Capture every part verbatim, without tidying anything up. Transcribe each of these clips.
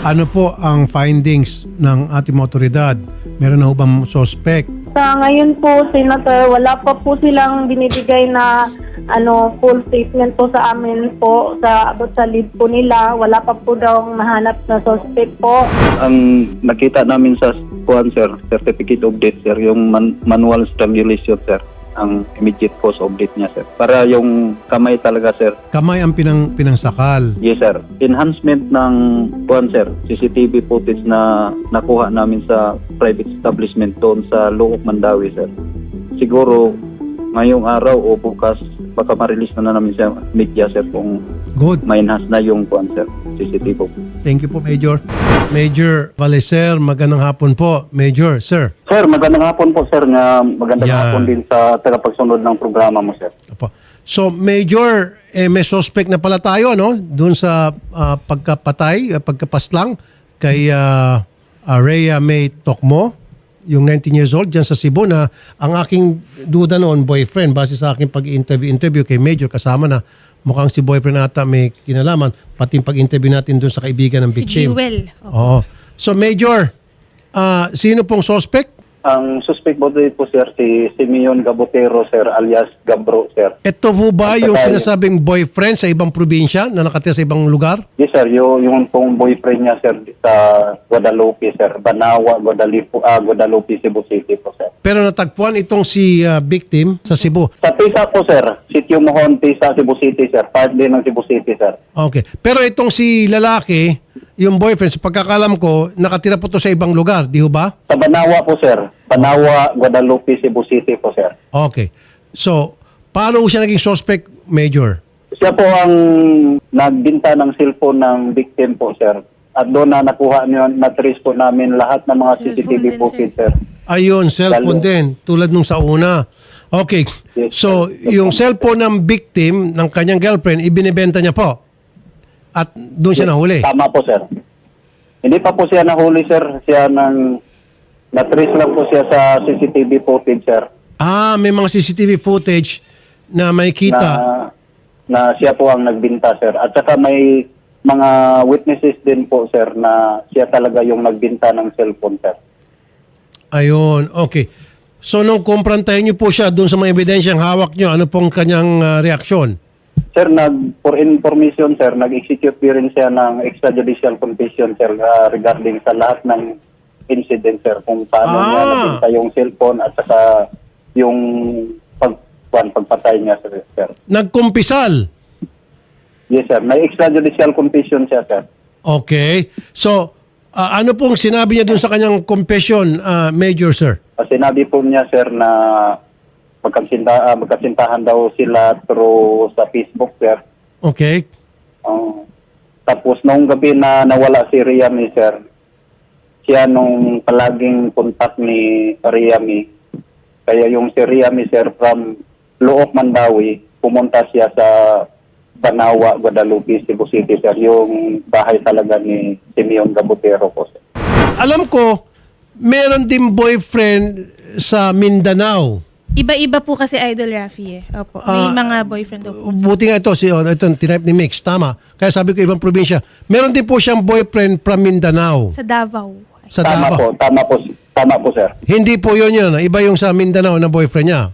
Ano po ang findings ng ating mga otoridad? Meron na ho bang suspect? Sa ngayon po, Senator, wala pa po silang binibigay na ano full statement po sa amin po sa abot sa lead po nila. Wala pa po daw nahanap na suspect po. Ang nakita namin sa kuan sir, certificate of death sir, yung man- manual strangulation sir, ang immediate cause of death niya sir. Para yung kamay talaga sir. Kamay ang pinang, pinangsakal. Yes sir. Enhancement ng kuan sir, C C T V footage na nakuha namin sa private establishment doon sa Luok, Mandawi sir. Siguro ngayong araw o bukas baka ma-release na, na namin sa media sir kung Good. ma-enhance na yung kuan sir, C C T V. Thank you po, Major. Major Valeser, magandang hapon po. Major, sir. Sir, magandang hapon po sir, nga magandang Yan. hapon din sa tagapagsunod ng programa mo sir. Opo. So, Major, eh, may suspect na pala tayo, no? Doon sa ah, pagkapatay, ah, pagkapaslang kay uh, Rhea May Tokmo, yung nineteen years old, dyan sa Cebu, na ang aking duda noon, boyfriend, base sa aking pag-interview-interview kay Major, kasama na mukhang si boyfriend nata may kinalaman, pati yung pag-interview natin doon sa kaibigan ng Si victim. Jewel. Oo. Opo. So, Major, ah, sino pong suspect? Ang suspect po dito sir, si Simeon Gabotero sir, alias Gabro sir. Ito po ba At yung saka- sinasabing boyfriend sa ibang probinsya na nakatira sa ibang lugar? Yes sir, yung, yung pong boyfriend niya sir sa Guadalupe sir, Banawa, Guadalupe, ah, Guadalupe, Cebu City po sir. Pero natagpuan itong si ah, victim sa Cebu. Sa Tisa po sir, Sitio Mohon, Tisa, Cebu City sir, part din ng Cebu City sir. Okay. Pero itong si lalaki, yung boyfriend, sa pagkakalam ko, nakatira po to sa ibang lugar, di ho ba? Sa Banawa po sir, Banawa, Guadalupe, Cebu City po sir. Okay. So, paano ho siya naging suspect, Major? Siya po ang nagbinta ng cellphone ng victim po sir. At doon na nakuha niyo, na-trace po namin lahat ng mga C C T V Cellphone din, footage sir. Ayun, cellphone Lalo. din, tulad nung sa una. Okay. Yes, So, sir. yung cellphone ng victim, ng kanyang girlfriend, ibinibenta niya po. At doon siya nahuli. Tama po sir. Hindi pa po siya nahuli sir. Siya nang na-trace lang po siya sa C C T V footage sir. Ah, may mga C C T V footage na may Na, kita. na siya po ang nagbinta sir. At saka may mga witnesses din po sir na siya talaga yung nagbinta ng cellphone sir. Ayun, okay. So, nung kumprantahin niyo po siya doon sa mga ebidensyang hawak niyo, ano pong kanyang ah, reaksyon? Sir, nag, for information sir, nag-execute din rin siya ng extrajudicial confession sir ah, regarding sa lahat ng incident sir, kung paano Ah. niya nabinta yung cellphone at saka yung pag, pag, pagpatay niya sir, sir. Nagkumpisal. Yes sir, may extrajudicial confession siya sir. Okay. So, ah, ano pong sinabi niya doon sa kanyang confession, ah, Major, sir? Uh, sinabi po niya sir na magkasinta, ah, magkasintahan daw sila through sa Facebook sir. Okay. Uh, tapos nung gabi na nawala si Riami sir, siya nung palaging contact ni Riami. Kaya yung si Riami sir from Luok, Mandawi, pumunta siya sa Banawa, Guadalupe, Cebu City sir, yung bahay talaga ni Simeon Gabotero po sir. Alam ko, meron din boyfriend sa Mindanao. Iba-iba po kasi Idol Rafi eh. Opo. May Ah, mga boyfriend daw po. Buti nga ito, si, oh, ito tinype ni Mix, tama. Kaya sabi ko ibang probinsya. Meron din po siyang boyfriend from Mindanao. Sa Davao. Sa Tama po, Davao. tama po, tama po sir. Hindi po yun yun. Iba yung sa Mindanao na boyfriend niya.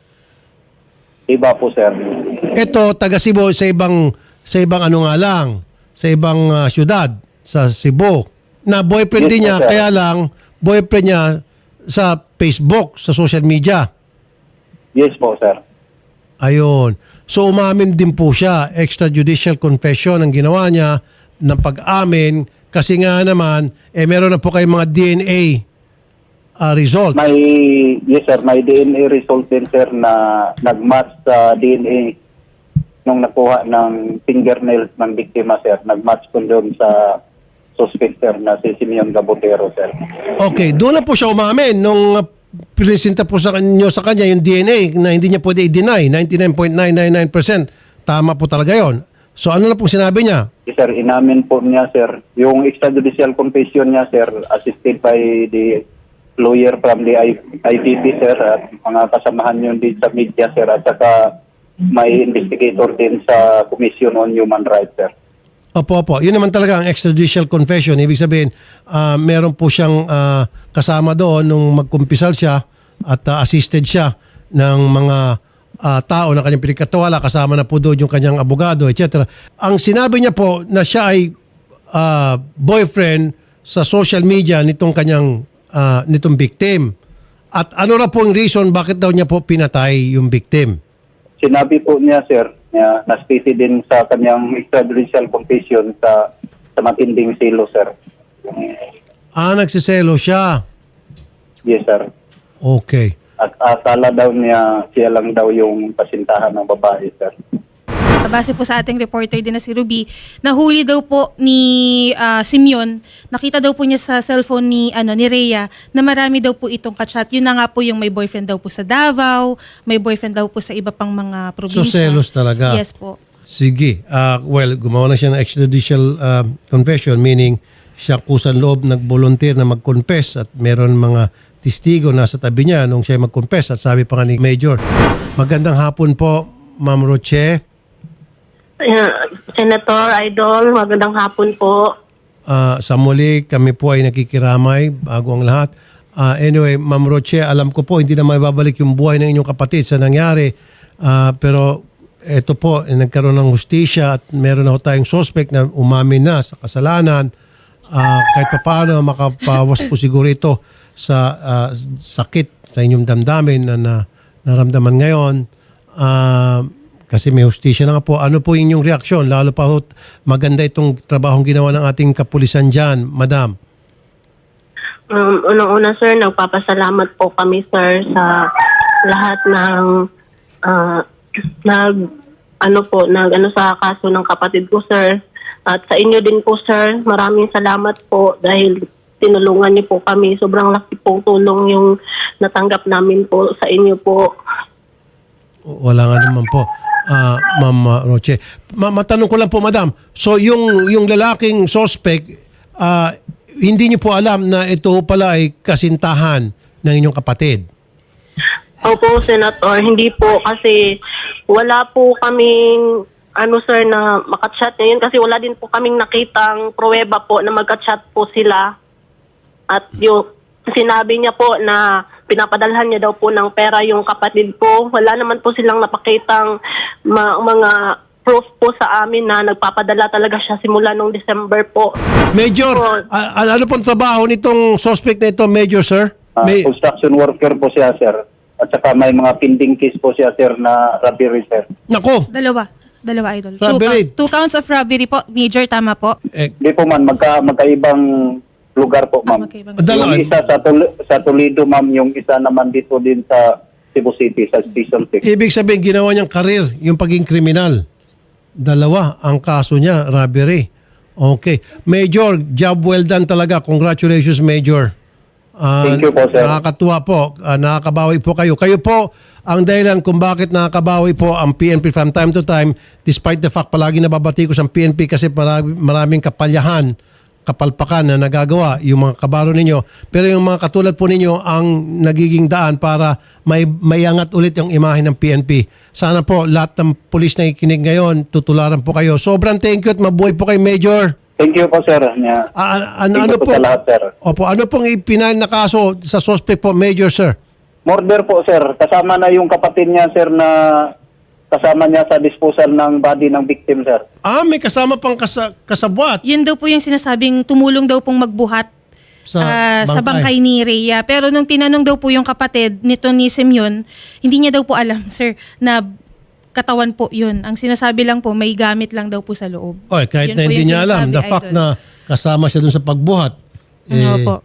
Iba po sir. Ito, taga Cebu, sa ibang, sa ibang ano nga lang, sa ibang ah, syudad, sa Cebu. Na boyfriend Yes din po, niya, sir. kaya lang, boyfriend niya sa Facebook, sa social media. Yes po sir. Ayun. So umamin din po siya, extrajudicial confession ang ginawa niya ng pag-amin kasi nga naman, eh meron na po kayong mga D N A ah, result. May, yes sir, may D N A result din sir na nag-match sa D N A nung nakuha ng fingernails ng biktima sir. Nag-match po doon sa suspect sir na si Simeon Gabotero sir. Okay, doon na po siya umamin nung uh, presenta po sa kanyo sa kanya yung D N A na hindi niya pwede i-deny, ninety-nine point nine nine nine percent. Tama po talaga yon. So ano na po sinabi niya? Yes, sir, inamin po niya sir. Yung extrajudicial confession niya sir, assisted by the lawyer from the I P P sir at mga kasamahan yun din sa media sir at saka may investigator din sa Commission on Human Rights sir. Opo, opo. Yun naman talaga ang extrajudicial confession. Ibig sabihin, ah, meron po siyang ah, kasama doon nung magkumpisal siya at ah, assisted siya ng mga ah, tao na kanyang pinagkatiwala. Kasama na po doon yung kanyang abogado, et cetera. Ang sinabi niya po na siya ay ah, boyfriend sa social media nitong kanyang ah, nitong victim. At ano na po ang reason bakit daw niya po pinatay yung victim? Sinabi po niya, sir, na naspiti din sa kanyang extrajudicial confession sa sa matinding silo, sir. Ah, nagsiselo siya. Yes, sir. Okay. At akala daw niya siya lang daw yung pasintahan ng babae, sir. Base po sa ating reporter din na si Ruby, nahuli daw po ni ah, Simeon, nakita daw po niya sa cellphone ni ano ni Rhea na marami daw po itong kachat. Yun na nga po yung may boyfriend daw po sa Davao, may boyfriend daw po sa iba pang mga probinsya. So, selos talaga. Yes po. Sige. Ah, well, gumawa na siya ng extrajudicial ah, confession, meaning siya kusan loob nag-volunteer na mag-confess at meron mga testigo nasa tabi niya nung siya mag-confess at sabi pa nga ni Major. Magandang hapon po, Ma'am Roche. Uh, Senator Idol, magandang hapon po. Ah, sa muli, kami po ay nakikiramay bago ang lahat. Ah, anyway, Ma'am Roche, alam ko po hindi na maibabalik yung buhay ng inyong kapatid sa nangyari. Ah, pero ito po, eh, nagkaroon ng hustisya at meron na ho tayong suspect na umamin na sa kasalanan. Ah, kahit pa paano, makapawas po siguro ito sa ah, sakit sa inyong damdamin na, na naramdaman ngayon. Ah, kasi may hustisya na nga po. Ano po inyong reaksyon? Lalo pa ho, maganda itong trabahong ginawa ng ating kapulisan dyan, Madam. Um, unang-una sir, nagpapasalamat po kami sir sa lahat ng ah, nag ano po, nag ano sa kaso ng kapatid ko sir. At sa inyo din po sir, maraming salamat po dahil tinulungan niyo po kami. Sobrang laki pong tulong yung natanggap namin po sa inyo po. Wala nga naman po. Ah, Ma'am ah, Roche. Ma- matanong ko lang po, Madam. So, yung, yung lalaking suspect, ah, hindi niyo po alam na ito pala ay kasintahan ng inyong kapatid? Opo, Senator. Hindi po kasi wala po kaming ano sir na makachat ngayon kasi wala din po kaming nakitang pruweba po na magka-chat po sila. At yung sinabi niya po na pinapadalhan niya daw po ng pera yung kapatid ko. Wala naman po silang napakitang ma- mga proof po sa amin na nagpapadala talaga siya simula nung December po. Major, a- a- ano pong trabaho nitong suspect na ito, Major, sir? Ah, May, construction worker po siya, sir. At saka may mga pending case po siya, sir, na robbery, sir. nako, Dalawa. Dalawa, Idol. Two, Robbery. count- two counts of robbery po. Major, tama po. eh, Hindi po man, magka, magkaibang lugar po, ma'am. magkaibang- Dalawa. Yung isa sa, Tol- sa Toledo, ma'am. Yung isa naman dito din sa Cebu City, sa Station six. ibig sabihin, ginawa niyang karir, yung pagiging kriminal. Dalawa ang kaso niya, robbery. Okay. Major, job well done talaga. Congratulations, Major. Ah, Thank you po, sir. Nakakatuwa po. Ah, nakakabawi po kayo. Kayo po ang dahilan kung bakit nakakabawi po ang P N P from time to time, despite the fact palagi nababati ko sa P N P kasi marami, maraming kapalyahan, kapalpakan na nagagawa yung mga kabaro ninyo. Pero yung mga katulad po ninyo ang nagiging daan para may mayangat ulit yung imahe ng P N P. Sana po lahat ng pulis na ikinig ngayon, tutularan po kayo. Sobrang thank you at mabuhay po kay Major. Thank you po, sir. Yeah. Ah, ano, Thank ano you po po? sa lahat, sir. Opo, ano pong ipinal na kaso sa suspect po, Major, sir? Murder po, sir. Kasama na yung kapatid niya, sir, na kasama niya sa disposal ng body ng victim, sir. Ah, may kasama pang kasa, kasabwat Yun daw po yung sinasabing tumulong daw pong magbuhat sa, ah, bangkay. sa bangkay ni Rhea. Pero nung tinanong daw po yung kapatid nito ni Simeon, hindi niya daw po alam, sir, na katawan po yun. Ang sinasabi lang po, may gamit lang daw po sa loob. Oy, kahit Yun na po hindi yung niya alam, sinasabi, the fact Idol. na kasama siya dun sa pagbuhat, eh, Opo.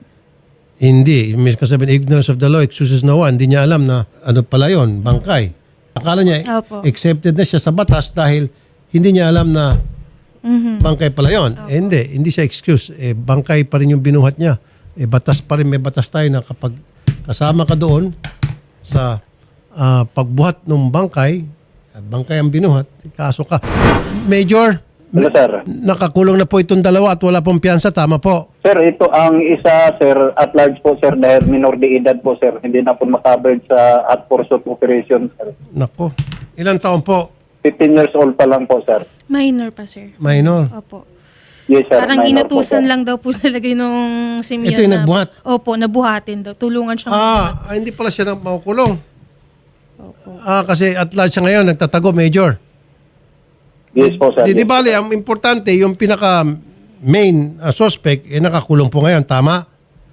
hindi. May kasabihin, ignorance of the law excuses no one. Hindi niya alam na ano pala yon, bangkay. Akala niya, Opo. accepted na siya sa batas dahil hindi niya alam na Mhm. bangkay pala yon. Eh, hindi, hindi siya excuse. Eh, bangkay pa rin yung binuhat niya. Eh, batas pa rin, may batas tayo na kapag kasama ka doon sa ah, pagbuhat ng bangkay, at bangkay ang binuhat, kaso ka. Major, Hello, sir. nakakulong na po itong dalawa at wala pong piyansa, tama po? Sir, ito ang isa, sir, at large po, sir, dahil minor de edad po, sir. Hindi na po makabarred sa hot pursuit operation, sir. Nako. Ilang taon po? fifteen years old pa lang po, sir. Minor pa, sir. Minor. Opo. Yes, sir. Parang Minor po, inutusan sir. lang daw po talaga nung Simeon. Ito yung na- nagbuhat? Opo, nabuhatin daw. Tulungan siyang Ah, ah, hindi pala siya nang makukulong. Ah, kasi at large siya ngayon, nagtatago, Major. Yes po, sir. Di, di Yes. bali, ang importante, yung pinaka main ah, suspect, eh, nakakulong po ngayon, tama?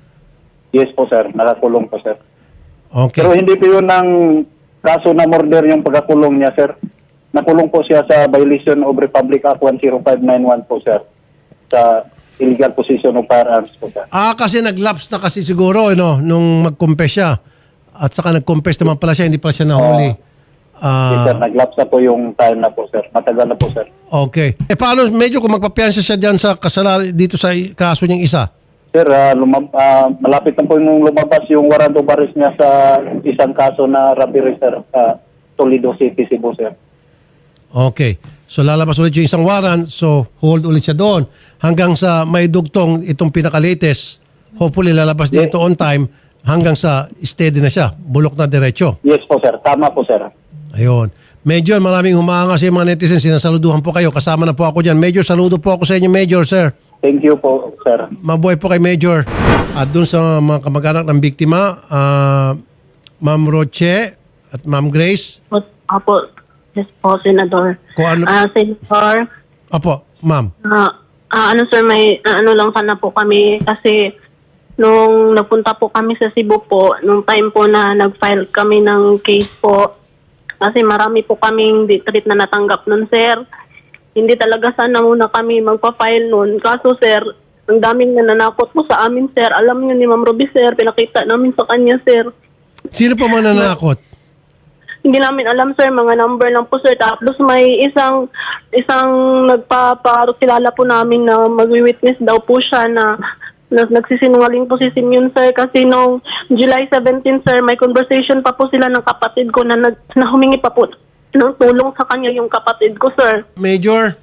Yes po, sir. Nakakulong po, sir. Okay. Pero hindi po yun ang kaso na murder yung pagkakulong niya, sir. Nakulong po siya sa violation of Republic Act one oh five nine one po, sir. Sa illegal possession of firearms po, sir. Ah, kasi nag-lapse na kasi siguro, no, nung mag-confess siya. At saka nag-confess naman pala siya, hindi pala siya nahuli. Yes, sir. Ah, Naglapse na po yung time na po, sir. Matagal na po, sir. okay. Eh, paano, medyo kung magpapiansa siya dyan sa kasalanan dito sa i- kaso niyang isa? Sir, ah, lumab- ah, malapit na po yung lumabas yung warrant of arrest niya sa isang kaso na robbery, sir. sa Toledo City, Cebu, sir. Okay. So lalabas ulit yung isang warrant, so hold ulit siya doon. Hanggang sa may dugtong itong pinaka-latest, hopefully lalabas din Yes. ito on time, hanggang sa steady na siya, bulok na diretso. Yes po, sir. Tama po, sir. Ayun. Major, maraming humanga sa mga netizens, sinasaluduhan po kayo, kasama na po ako dyan. Major, saludo po ako sa inyo, Major, sir. Thank you po, sir. Mabuhay po kay Major. At dun sa mga kamag-anak ng biktima, ah, Ma'am Roche at Ma'am Grace, Po, Opo, yes po, Senador. Kung ano- Ah, Senator, opo, Ma'am. ah, ah, ano sir, may ah, ano lang sana po kami kasi nung nagpunta po kami sa Cebu po, nung time po na nag-file kami ng case po, kasi marami po kaming detreat na natanggap nun, sir. Hindi talaga sana muna kami magpa-file nun. Kaso, sir, ang daming nananakot po sa amin, sir. Alam niyo ni Ma'am Ruby, sir, pinakita namin sa kanya, sir. Sino po mananakot? Hindi namin alam, sir, mga number lang po, sir. Tapos may isang isang nagpaparokilala po namin na magwi-witness daw po siya na, na nagsisinungaling po si Simeon, sir. Kasi nung July seventeenth, sir, may conversation pa po sila ng kapatid ko na, nag, na humingi pa po ng tulong sa kanya yung kapatid ko, sir. Major?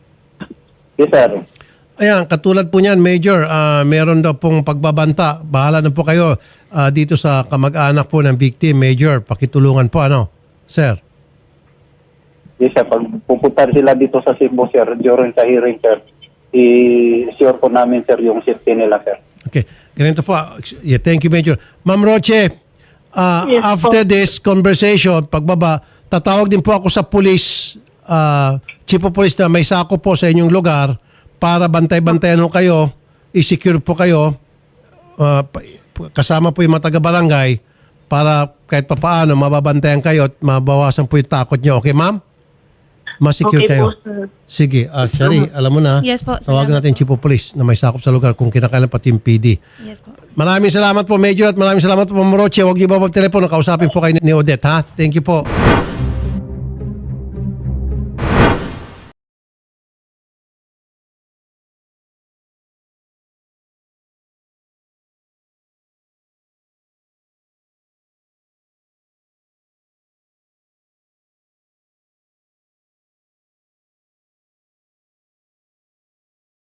Yes, sir. Ayan, katulad po niyan, Major, ah, meron daw pong pagbabanta. Bahala na po kayo ah, dito sa kamag-anak po ng victim, Major. Pakitulungan po, ano, sir? Yes, sir. Pag pupunta sila dito sa Cebu, sir, during sa hearing, sir, i-sure po namin, sir, yung safety nila, sir. Okay, ganito po. Yeah, thank you, Major. Ma'am Roche, ah, Yes, after po. this conversation, pagbaba, tatawag din po ako sa police, ah, chief of police na may sako po sa inyong lugar para bantay-bantayan ho kayo, i-secure po kayo, ah, pa- kasama po yung mga taga-barangay para kahit papaano mababantayan kayo at mabawasan po yung takot nyo. Okay, ma'am? Masecure Okay kayo. po, sir. Sige, ah, Shari, alam mo na. Yes po, Tawagan salamat natin yung chief of police na may sakop sa lugar kung kinakailan pati yung P D. Yes po. Maraming salamat po, Major, at maraming salamat po, Ma'am Roche. Huwag niyo ba mag-telepono, kausapin po kayo ni Odette, ha? Thank you po.